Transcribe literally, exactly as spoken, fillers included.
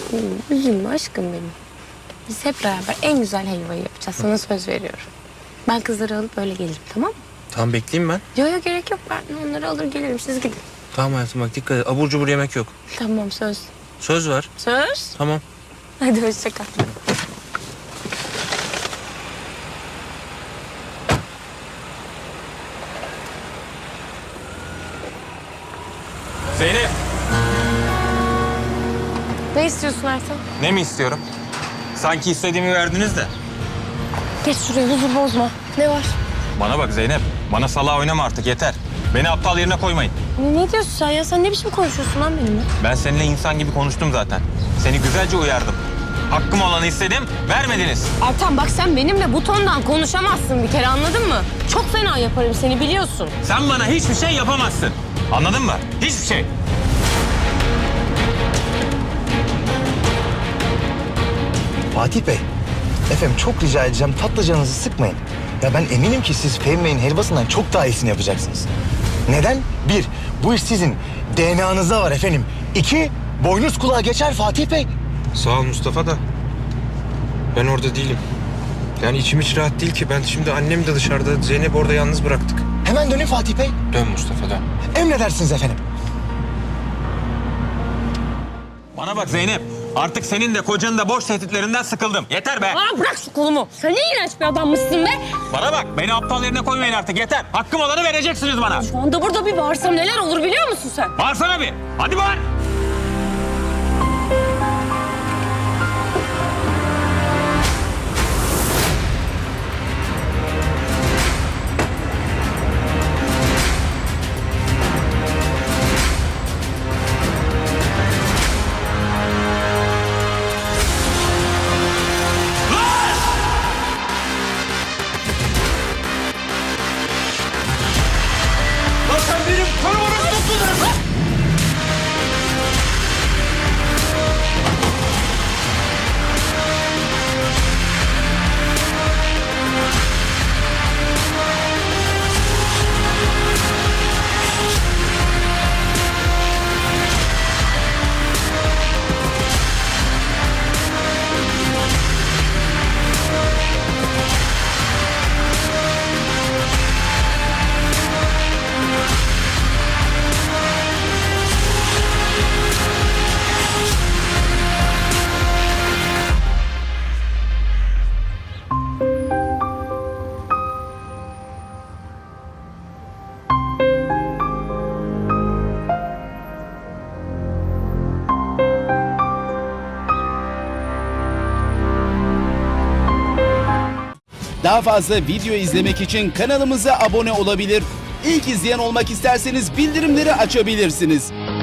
Hmm, üzülme aşkım benim. Biz hep beraber en güzel helvayı yapacağız. Sana söz veriyorum. Ben kızları alıp öyle gelirim, tamam mı? Tamam, bekleyeyim ben. Yok yok, gerek yok. Ben onları alır gelirim. Siz gidin. Tamam hayatım, bak dikkat et. Abur cubur yemek yok. Tamam, söz. Söz ver. Söz. Tamam. Hadi hoşça kal. Zeynep. Ne istiyorsun Ertan? Ne mi istiyorum? Sanki istediğimi verdiniz de. Geç şuraya, huzur bozma. Ne var? Bana bak Zeynep. Bana salağa oynama artık, yeter. Beni aptal yerine koymayın. Ne, ne diyorsun sen ya? Sen ne biçim konuşuyorsun lan benimle? Ben seninle insan gibi konuştum zaten. Seni güzelce uyardım. Hakkım olanı istedim, vermediniz. Ertan bak, sen benimle bu tondan konuşamazsın bir kere, anladın mı? Çok fena yaparım seni, biliyorsun. Sen bana hiçbir şey yapamazsın. Anladın mı? Hiçbir şey. Fatih Bey, efendim çok rica edeceğim tatlı canınızı sıkmayın. Ya ben eminim ki siz Fehmi Bey'in helvasından çok daha iyisini yapacaksınız. Neden? Bir, bu iş sizin D N A'nızda var efendim. İki, boynuz kulağa geçer Fatih Bey. Sağ ol Mustafa da. Ben orada değilim. Yani içim hiç rahat değil ki. Ben şimdi annem de dışarıda. Zeynep orada yalnız bıraktık. Hemen dönün Fatih Bey. Dön Mustafa, dön. Emredersiniz efendim. Bana bak Zeynep. Artık senin de kocanın da boş tehditlerinden sıkıldım. Yeter be. Aa, bırak şu kolumu. Sen ne iğrenç bir adammışsın be. Bana bak, beni aptal yerine koymayın artık, yeter. Hakkım olanı vereceksiniz bana. Şu anda burada bir bağırsam neler olur biliyor musun sen? Bağırsana bir. Hadi bağır. Lan sen benim korumanı tuttun. Daha fazla video izlemek için kanalımıza abone olabilir. İlk izleyen olmak isterseniz bildirimleri açabilirsiniz.